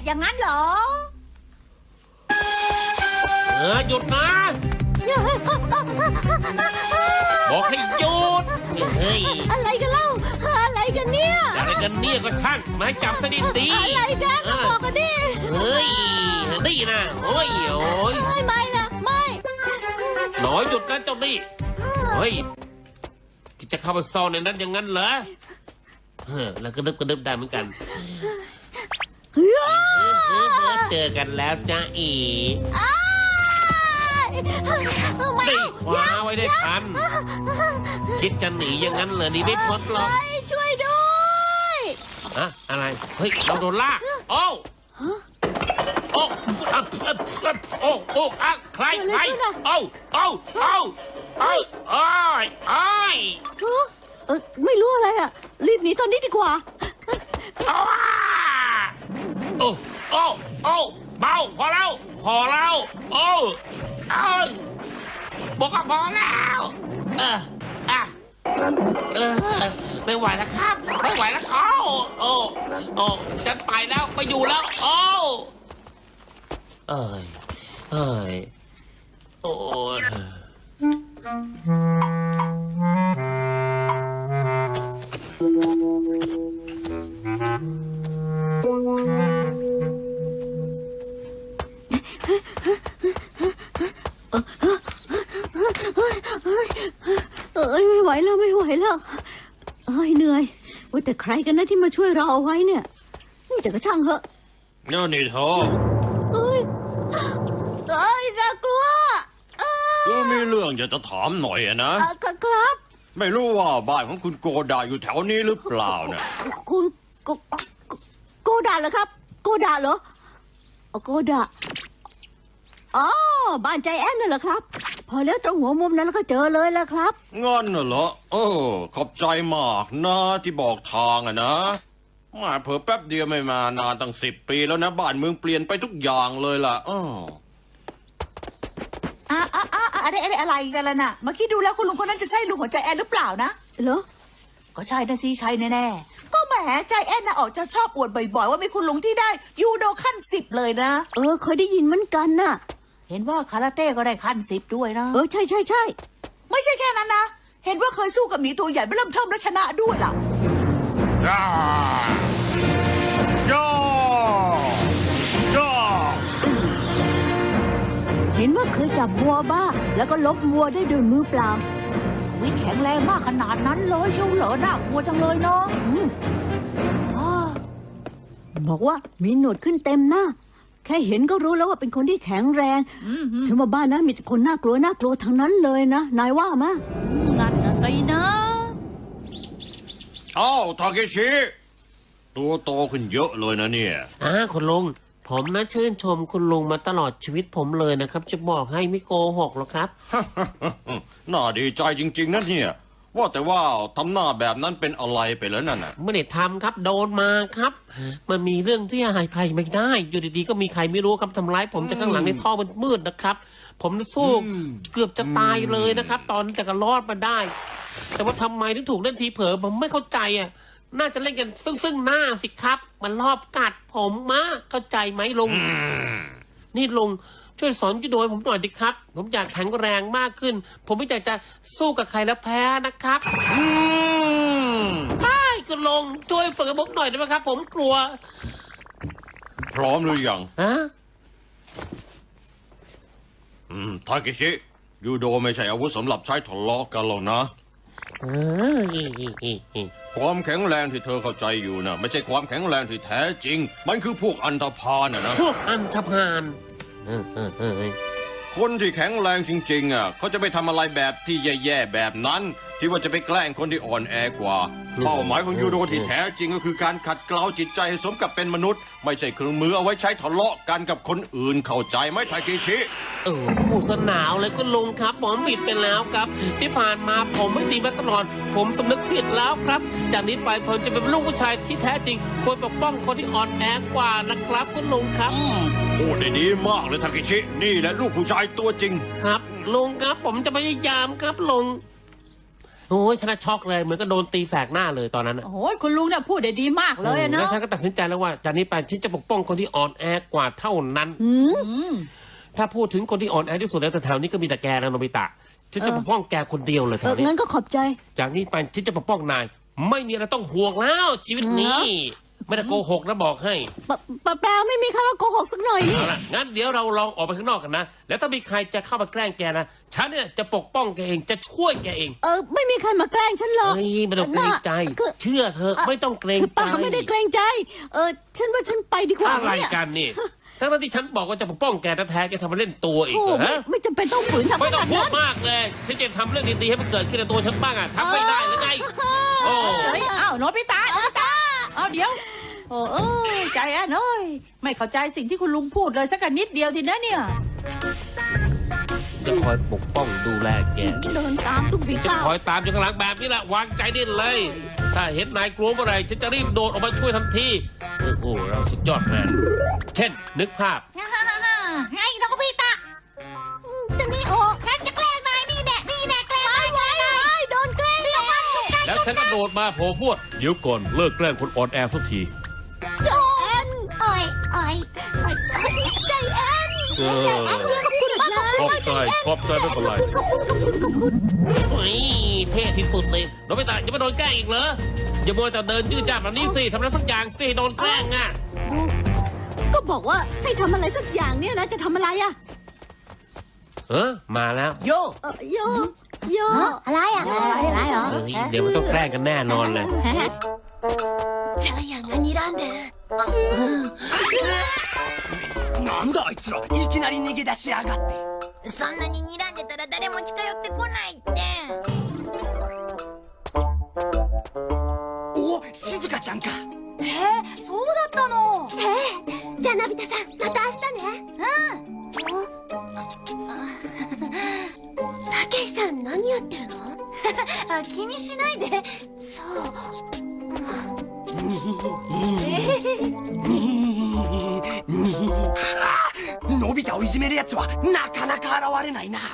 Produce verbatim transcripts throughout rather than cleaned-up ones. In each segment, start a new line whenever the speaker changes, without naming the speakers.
อย่างนั้นเหรอ
เออหยุดนะบอกให้หยุดเฮ้ย
อะไรกันเล่าอะไรกันเนี่ย
อะไรกันเนี่ยก็ช่างมาจับสนิทดี
อะไรกันก็บอกกันดิ
เฮ้ยดีนะโอ้ยโอ้ย
ไม่นะไม่
หน่อยหยุดนะเจ้านี่เฮ้ยพี่จะเข้าไปซ่อนในนั้นอย่างนั้นเหรอเฮ้อแล้วก็นึกก็นึกได้เหมือนกันเจอกันแล้วจ้าอีได้คว้าไว้ได้ทันคิดจะหนีอย่างนั้นเหรอนี่ไม่พ้นหรอก
ช่วยด้วย
อะอะไรเฮ้ยเราโดนลากโอ้โอ้โอ้โอ้อะใครใครโอ้โอ้โอ้โอ้โอ้ยโอ้ย
เออไม่รู้อะไรอ่ะรีบหนีตอนนี้ดีกว่า
โอ้โอ้โอ้โอ้เบาพอแล้วพอแล้วโอ้เอ้ยบอกว่าพอแล้วเอออ่ะเออไม่ไหวแล้วครับไม่ไหวแล้วโอ้โอ้โอ้จะไปแล้วไปอยู่แล้วโอ้เอ้ยเอ้ยโอ้ย
เอ้ยไม่ไหวแล้วไม่ไหวแล้วเอ้ยเหนื่อยว่าแต่ใครกันนะที่มาช่วยเราเอาไว้เนี่ยแต่ก็ช่างเหอะ
นี่นี่เธอ
เอ้ยเอ้ยน่ากลัว
ก็มีเรื่องอยากจะถามหน่อยนะ
ครับ
ไม่รู้ว่าบ้านของคุณโกดาอยู่แถวนี้หรือเปล่าเนี่ย
คุณโกโกดาเหรอครับโกดาเหรอโกดาอ๋อบ้านใจแอนน่ะเหรอครับพอแล้วตรงหัวมุมนั้นแล้วก็เจอเลยแล้วครับ
งั้นน่ะเหรอเออขอบใจมากนะที่บอกทางอะนะมาเผลอแป๊บเดียวไม่มานานตั้งสิบปีแล้วนะบ้านเมืองเปลี่ยนไปทุกอย่างเลยล่ะอ๋อ
อ่ะอ่ะอ่ะอะไรอะไรอะไรกันล่ะน่ะเมื่อกี้ดูแล้วคุณลุงคนนั้นจะใช่ลุงของใจแอนหรือเปล่านะ
เหรอ
ก็ใช่นะสิใช่แน่ๆก็แหมใจแอนน่ะออกจะชอบอวดบ่อยๆว่ามีคุณลุงที่ได้ยูโดขั้นสิบเลยนะ
เออเคยได้ยินเหมือนกันน่ะ
เห็นว่าคาราเต้ก็ได้ขั้นสิบด้วยนะ
เออใช่ใช่ใช่
ไม่ใช่แค่นั้นนะเห็นว่าเคยสู้กับหมีตัวใหญ่ไม่เริ่มเทิมและชนะด้วยล่ะ
ย่าย่าย่า
เห็นว่าเคยจับวัวบ้าแล้วก็ลบวัวได้ด้วยมือเปล่า
วิแข็งแรงมากขนาดนั้นเลยเชียวเหรอน่ากลัวจังเลยเนาะ
บอกว่ามีหนวดขึ้นเต็มหน้าแค่เห็นก็รู้แล้วว่าเป็นคนที่แข็งแรงฉันว่าบ้านนะมีแต่คนน่ากลัวน่ากลัวทั้งนั้นเลยนะนายว่ามั้ย
นั่นนะสินะ
อ้าวทาเคชิตัวโตขึ้นเยอะเลยนะเนี่ย
อ่าคุณลุงผมนะชื่นชมคุณลุงมาตลอดชีวิตผมเลยนะครับจะบอกให้ไม่โกหกหรอกครับ
น่าดีใจจริงๆนะเนี่ยว่าแต่ว่าทำหน้าแบบนั้นเป็นอะไรไปแล้วนั่นน่ะ
ไม่ได้ทำครับโดนมาครับมันมีเรื่องที่หายใครไม่ได้อยู่ดีๆก็มีใครไม่รู้ครับทำร้ายผมจากข้างหลังในท่อมันมืดนะครับผมสู้เกือบจะตายเลยนะครับตอนแต่ก็รอดมาได้แต่ว่าทำไมถึงถูกเล่นทีเผลอผมไม่เข้าใจอ่ะน่าจะเล่นกันซึ่งซึ่งหน้าสิครับมันรอบกัดผมมาเข้าใจไหมลุงนี่ลุงช่วยสอนยูโดให้ผมหน่อยดิครับผมอยากแข็งแรงมากขึ้นผมไม่อยากจะสู้กับใครแล้วแพ้นะครับไม่คุณลุงช่วยฝึกผมหน่อยได้ไหมครับผมกลัว
พร้อมหรือยัง
ฮะ
อืมทาเคชิยูโดไม่ใช่อาวุธสำหรับใช้ทะเลาะกันหรอกนะความแข็งแรงที่เธอเข้าใจอยู่นะไม่ใช่ความแข็งแรงที่แท้จริงมันคือพวกอันธพาลนะนะ
พวกอันธพาล
คนที่แข็งแรงจริงๆอ่ะเขาจะไม่ทำอะไรแบบที่แย่ๆแบบนั้นที่ว่าจะไปแกล้งคนที่อ่อนแอกว่าเป้าหมายของยูโดที่แท้จริงก็คือการขัดเกลาจิตใจให้สมกับเป็นมนุษย์ไม่ใช่เครื่องมือเอาไว้ใช้ทะเลาะกันกับคนอื่นเข้าใจไหมทาเคชิ
เออผู้สนาวเลยคุณลุงครับผมผิดไปแล้วครับที่ผ่านมาผมไม่ดีมาตลอดผมสำนึกผิดแล้วครับจากนี้ไปผมจะเป็นลูกผู้ชายที่แท้จริงควรปกป้องคนที่อ่อนแอกว่านะครับคุณลุงครับ
พูดได้ดีมากเลยทาเคชินี่แหละลูกผู้ชายตัวจริง
ครับลุงครับผมจะพยายามครับลุงโอ้ยฉันน่ะช็อกเลยเหมือนก็โดนตีแสกหน้าเลยตอนนั้นน่ะ
โอ้ยคุณลุงเนี่ยพูดได้ดีมากเลยอะ
แล้
เนาะ
วฉันก็ตัดสินใจแล้วว่าจากนี้ไปฉันจะปกป้องคนที่อ่อนแอกว่าเท่านั้น
อืม
ถ้าพูดถึงคนที่อ่อนแอที่สุดแล้วแถวๆนี้ก็มีแต่แกนะโนบิตะฉันจะปกป้องแกคนเดียวเลยแถ
เออ
วนี้
งั้นก็ขอบใจ
จากนี้ไปฉันจะปกป้องนาย ไม่มีอะไรต้องห่วงแล้วชีวิตนี้ ไม่ได้โกหกนะบอกให้
ปะปะแปลว่าไม่มีคำว่าโกหกสักหน่อยนี่
เอาละงั้นเดี๋ยวเราลองออกไปข้างนอกกันนะ แล้วถ้ามีใครจะเข้ามาแกล้งแกนะฉันเนี่ยจะปกป้องแกเองจะช่วยแกเอง
เออไม่มีใครมาแกล้งฉันหรอก
เฮ้ยไม่ต้องเกรงใจ
คือ
เชื่อเธอะไม่ต้องเกรง
คือ
ใจ
ป้าก็ไม่ได้เกรงใจ เออฉันว่าฉันไปดีกว่า
อะไร
เนี่ย
กันนี่ทั้งๆที่ฉันบอกว่าจะปกป้องแกแท้ๆแกทำมาเล่นตัวอีก
โอ้
เหรอ
ไม่
ฮะ
ไม่จำเป็นต้องฝืนทำ
ไม่ต้อง
ขนาด
พูด
นั้น
มากเลยฉันจะทำเรื่องดีๆให้มันเกิดขึ้นในตัวฉันบ้างอะทำไม่ได้หรือไงโอ้
เฮ้ยอ้าวโนบิตะโนบิตะเอาเดี๋ยวโอ้เอ้ยใจแอนเอ้ยไม่เข้าใจสิ่งที่คุณลุงพูดเลยสักนิดเดียวทีนะเนี่ย
จะคอยปกป้องดูแลแก
เดินตามทุกฝี
จะ
ก้าว
คอยตามอยู่ข้างหลังแบบนี้แหละวางใจได้เลย ถ้าเห็นนายกลัวเมื่อไหรฉันจะรีบโดดออกมาช่วยทันทีโอ้โหเราสุดยอดแมนเช่น นึกภาพ
ให้โนบิตะ
จะมีโอ
ฉันจะแกล้งนายนี่แน่นี่แน่แกล้งนายแกล้งนาย
โดนแกล้งแล้ว
แล้วฉันก็โดดมาโผล่พวดเดี๋ยวก่อนเลิกแกล้งคนอ่อนแอสักที
โจนโอ้ยโอ้ยใจแอน
เออ
ใจแอนขอบคุณมาก
ขอบใจขอบใจไม่เป็นไร
ขอบคุณขอบคุณขอบคุณ
โอ้ยเท่ที่สุดเลยโดนไม่ตายยังไม่โดนแกล้งอีกเหรออย่ามัวแต่เดินยืดยาดแบบนี้สิทำอะไรสักอย่างสิโดนแกล้งอ่ะ
ก็บอกว่าให้ทำอะไรสักอย่างเนี่ยนะจะทำอะไรอะ
เออมาแล้ว
โย
เออโยโยอะไรอะอะไรเหรอ
เฮ้ยเดี๋ยวมันต้องแกล้งกันแน่นอนเลย
ジャイアンが睨んでる
なんだあいつらいきなり逃げ出しやがって
そんなに睨んでたら誰も近寄ってこないって
お静香ちゃんか
えー、そうだったのええじゃあのび太さんまた明日ねうんたけしさん何やってるのあ気にしないでそう
のび太をいじめるやつはなかなか現れないな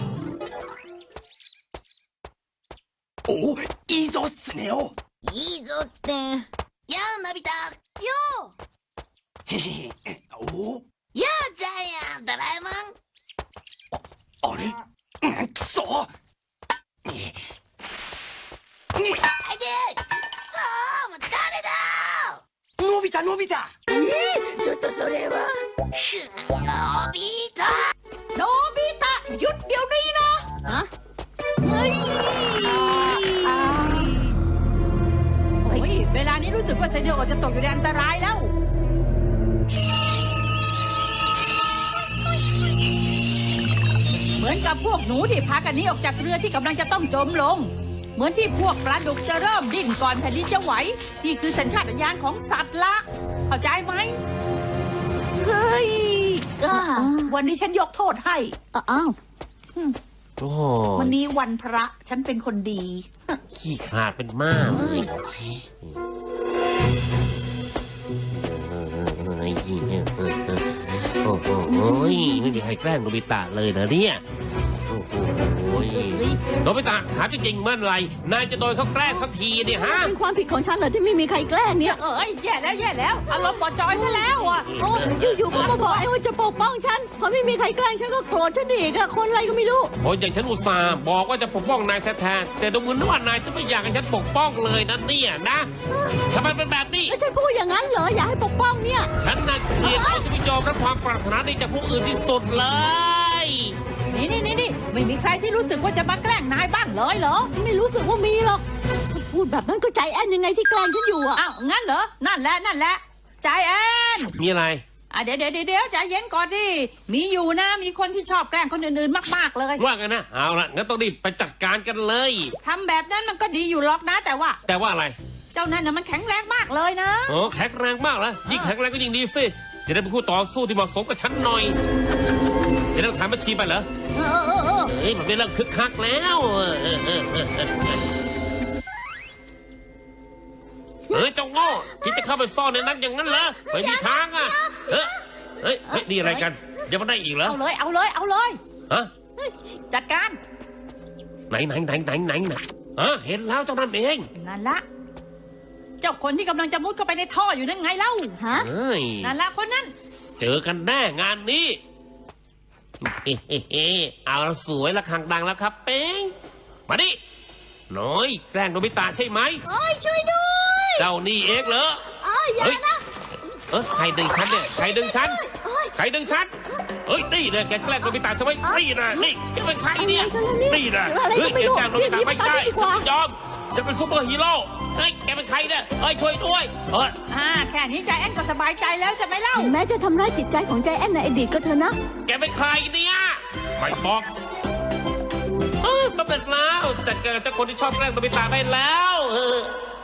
おいいぞスネ夫
いいぞってやあのび太よ
へへへお
うやあジャイアンドラえもん
あれうんくそにに
あいでくそーもう誰だ
のび太のび太
ちょっとそれはのび太
โนบิตะหยุดเดี๋ยวนี้นะ
ฮะเฮ้ย
โอ้ยเวลานี้รู้สึกว่าเซเนโอจะตกอยู่ในอันตรายแล้ว เหมือนกับพวกหนูที่พากันหนี้ออกจากเรือที่กำลังจะต้องจมลง เหมือนที่พวกปลาดุกจะเริ่มดิ้นก่อนแผ่นดินจะไหวนี่คือสัญชาตญาณของสัตว์ละเข้าใจไหม
เฮ้ย
อ่าวันนี้ฉันยกโทษให้
อ้าว
โอ้โห
วันนี้วันพระฉันเป็นคนดี
ขี้ขาดเป็นมากเลยโอ้โหไม่มีใครแกล้งโนบิตะเลยนะเนี่ยโอ้โหโนบิตะถามจริงๆเมื่อไหรนายจะโดนเขาแกล้งสักทีเนี่ยฮะ
เป็นความผิดของฉันเหรอที่ไม่มีใครแกล้งเนี่ย
เอ้ยแย่แล้วแย่แล้วอารมณ์บอดจอยซะแล้วอ่ะ
โอ้อยู่ๆก็มาบอกไอ้ว่าจะปกป้องฉันพอไม่มีใครแกล้งฉันก็โกรธฉันอีกอะคนอะไรก็ไม่รู้
คนอย่างฉันอุตส่าห์บอกว่าจะปกป้องนายแท้ๆแต่ดูเหมือนว่านายจะไม่อยากให้ฉันปกป้องเลยนะเนี่ยนะทำไมเป็นแบบนี้
แล้วฉันพูดอย่างนั้นเหรออยากให้ปกป้องเนี่ย
ฉันน่ะเกลียดเขาจะไม่ยอมรับความปรารถนาดีจากผู้อื่นที่สุดเลย
นี่นี่นี่นี่ไม่มีใครที่รู้สึกว่าจะมาแกล้งนายบ้างเลยเหรอ
ไม่รู้สึกว่ามีหรอกพูดแบบนั้นก็ใจแอนยังไงที่แกล้งฉันอยู่อะ
อ้าวงั้นเหรอนั่นแหละนั่นแหละใจแอน
มีอะไร
อ่ะเดี๋ยวเดี๋ยวเดี๋ยวใจเย็นก่อนดิมีอยู่นะมีคนที่ชอบแกล้งคนอื่นๆมากๆเลย
ว่ากันนะเอาละงั้นต้องรีบไปจัดการกันเลย
ทำแบบนั้นมันก็ดีอยู่หรอกนะ แต่ว่า
แต่ว่าอะไร
เจ้านั่นน่ะมันแข็งแรงมากเลยนะ
โอ้แข็งแรงมากแล้วยิ่งแข็งแรงก็ยิ่งดีสิจะได้เป็นคู่ต่อสู้ที่เหมาะสมกับฉันหน่อยจะได้ถามบัญชีไปเหรอ
เออเออเออ
เฮ้ยมันเป็นเรื่องคึกคักแล้วเออเออเออเออเออเฮ้ยเจ้าโง่ที่จะเข้าไปซ่อนในนั้นอย่างนั้นเหรอไม่มีทางอ่ะเฮ้ยเฮ้ยเฮ้ยนี่อะไรกันยังมาได้อีกเหรอ
เอาเลยเอาเลยเอาเลย
ฮะ
จัดการ
ไหนไหนไหนไหนไหนไหนเออเห็นแล้วเจ้านั่นเอง
นั่นละ เจ้าคนที่กำลังจะมุดเข้าไปในท่ออยู่นั่นไงเล่า
ฮะ
เฮ้ย
นั่นละคนนั้น
เจอกันแน่งานนี้เฮ้เฮ้เฮ้เอาละสวยละครังดังแล้วครับเป้งมาดิน้อยแกล้งโนบิตะใช่ไหม
โอ้ยช่วยด้วย
เจ้านี่เองเหรอ
เอ้ยอย่า
เฮ้ย
นะ
เออใครดึงฉันเนี่ยใครดึงฉัน
โอ้ย
ใครดึงฉันเฮ้ยนี่นะแกแกล้งโนบิตะใช่ไหมนี่นะนี่แกเป็นใครเนี่ย
อะไรกันล่ะเนี่ย
นี่นะ
อะไรก็
เฮ้ย
ไม่
แก
รู้
แกล้งโนบิตะไม่ได้
เรียกหนีมาตามดีกว่า
ฉันไม่ยอมจะเป็นซูเปอร์ฮีโร่เฮ้ยแกเป็นใครเนี่ยเฮ้ยช่วยด้วยเออ
อ่า แค่นี้ใจแอนก็สบายใจแล้วใช่ไหมเล่า
แม้จะทำร้ายจิตใจของใจแอนในอดีตก็เถอะนะ
แกเป็นใครเนี่ยไม่บอกเออสำเร็จแล้วจัดการกับเจ้าคนที่ชอบแกล้งโนบิตะได้แล้วเออ